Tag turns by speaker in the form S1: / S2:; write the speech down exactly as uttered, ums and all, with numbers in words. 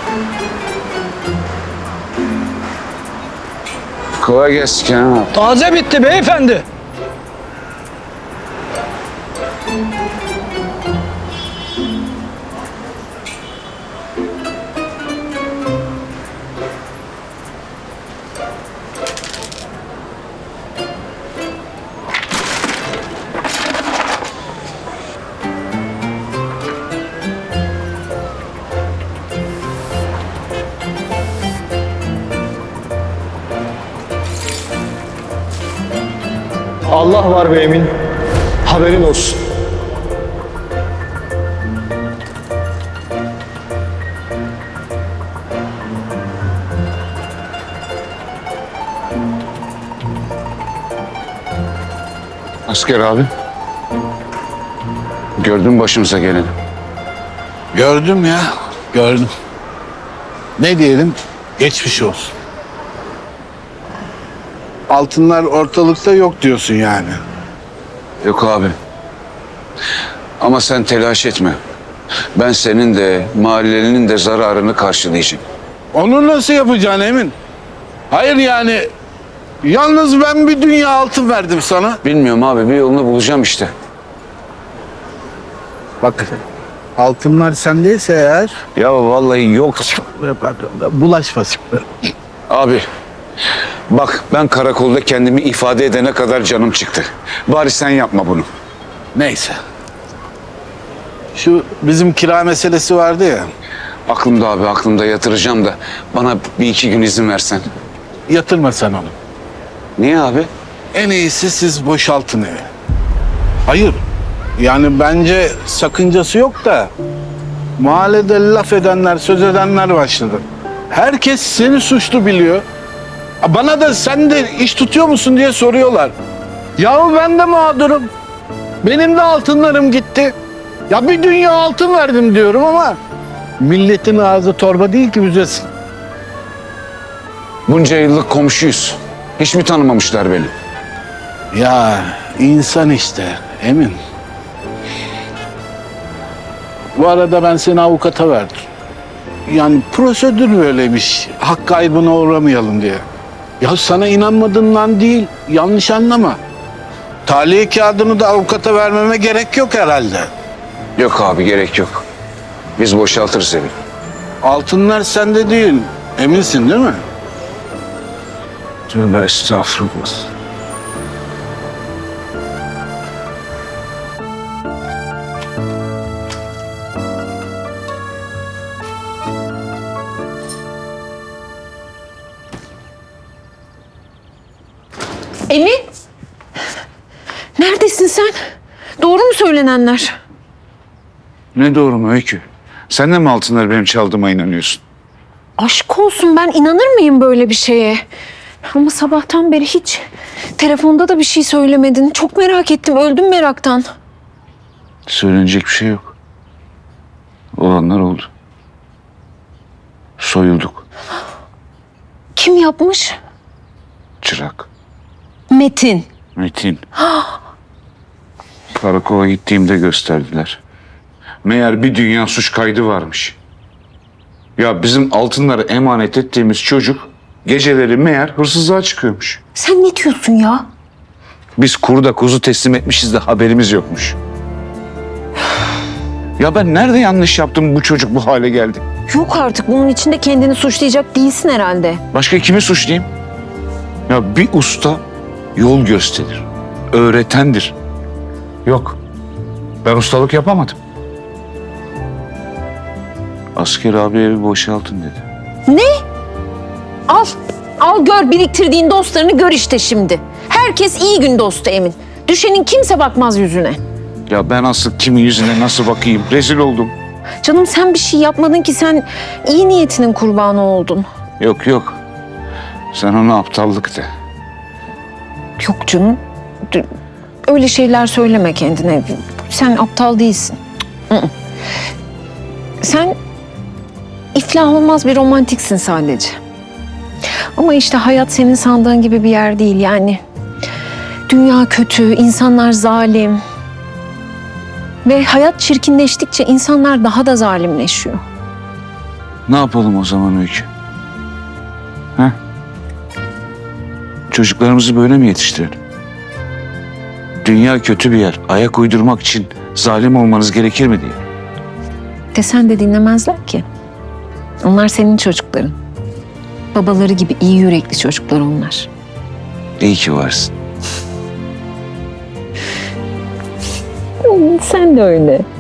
S1: Kolay gelsin Kenan abi.
S2: Taze bitti beyefendi.
S3: Allah var be Emin. Haberin olsun.
S1: Asker abi. Gördün mü başımıza geleni?
S4: Gördüm ya, gördüm. Ne diyelim? Geçmiş olsun. Altınlar ortalıkta yok diyorsun yani.
S1: Yok abi. Ama sen telaş etme. Ben senin de mahallenin de zararını karşılayacağım.
S4: Onu nasıl yapacaksın Emin? Hayır yani, yalnız ben bir dünya altın verdim sana.
S1: Bilmiyorum abi, bir yolunu bulacağım işte.
S4: Bak, altınlar sendeyse eğer...
S1: Ya vallahi yok.
S4: Pardon, bulaşma şimdi.
S1: Abi bak, ben karakolda kendimi ifade edene kadar canım çıktı. Bari sen yapma bunu.
S4: Neyse. Şu bizim kira meselesi vardı ya.
S1: Aklımda abi, aklımda, yatıracağım da bana bir iki gün izin versen.
S4: Yatırma sen onu.
S1: Niye abi?
S4: En iyisi siz boşaltın evi. Hayır. Yani bence sakıncası yok da mahallede laf edenler, söz edenler başladı. Herkes seni suçlu biliyor. Bana da sen de iş tutuyor musun diye soruyorlar. Yahu ben de mağdurum. Benim de altınlarım gitti. Ya bir dünya altın verdim diyorum ama milletin ağzı torba değil ki büzesin.
S1: Bunca yıllık komşuyuz. Hiç mi tanımamışlar beni?
S4: Ya insan işte Emin. Bu arada ben seni avukata verdim. Yani prosedür böyleymiş. Hak kaybına uğramayalım diye. Ya sana inanmadığından değil, yanlış anlama. Tahliye kağıdını da avukata vermeme gerek yok herhalde.
S1: Yok abi, gerek yok. Biz boşaltırız evi.
S4: Altınlar sende değil, eminsin değil mi?
S1: Tövbe estağfurullah.
S5: Emin? Neredesin sen? Doğru mu söylenenler?
S1: Ne doğru mu Öykü? Sen de mi altınları benim çaldığıma inanıyorsun?
S5: Aşk olsun, ben inanır mıyım böyle bir şeye? Ama sabahtan beri hiç telefonda da bir şey söylemedin. Çok merak ettim, öldüm meraktan.
S1: Söylenecek bir şey yok. Olanlar oldu. Soyulduk.
S5: Kim yapmış?
S1: Çırak.
S5: Metin.
S1: Metin. Karakola gittiğimde gösterdiler. Meğer bir dünya suç kaydı varmış. Ya bizim altınları emanet ettiğimiz çocuk geceleri meğer hırsızlığa çıkıyormuş.
S5: Sen ne diyorsun ya?
S1: Biz kurda kuzu teslim etmişiz de haberimiz yokmuş. Ya ben nerede yanlış yaptım, bu çocuk bu hale geldi?
S5: Yok artık, bunun içinde kendini suçlayacak değilsin herhalde.
S1: Başka kimi suçlayayım? Ya bir usta yol gösterir, öğretendir. Yok, ben ustalık yapamadım. Asker abi evi boşaltın dedi.
S5: Al, al gör biriktirdiğin dostlarını, gör işte şimdi. Herkes iyi gün dostu Emin. Düşenin kimse bakmaz yüzüne.
S1: Ya ben asıl kimin yüzüne nasıl bakayım? Rezil oldum.
S5: Canım sen bir şey yapmadın ki, sen iyi niyetinin kurbanı oldun.
S1: Yok yok, sen ona aptallık de.
S5: Yok canım, d- öyle şeyler söyleme kendine. Sen aptal değilsin. Hı hı. Sen iflah olmaz bir romantiksin sadece. Ama işte hayat senin sandığın gibi bir yer değil yani. Dünya kötü, insanlar zalim. Ve hayat çirkinleştikçe insanlar daha da zalimleşiyor.
S1: Ne yapalım o zaman Öykü? Ha? Çocuklarımızı böyle mi yetiştirelim? Dünya kötü bir yer. Ayak uydurmak için zalim olmanız gerekir mi diye.
S5: Desen de dinlemezler ki. Onlar senin çocukların. Babaları gibi iyi yürekli çocuklar onlar.
S1: İyi ki varsın.
S5: Sen de öyle.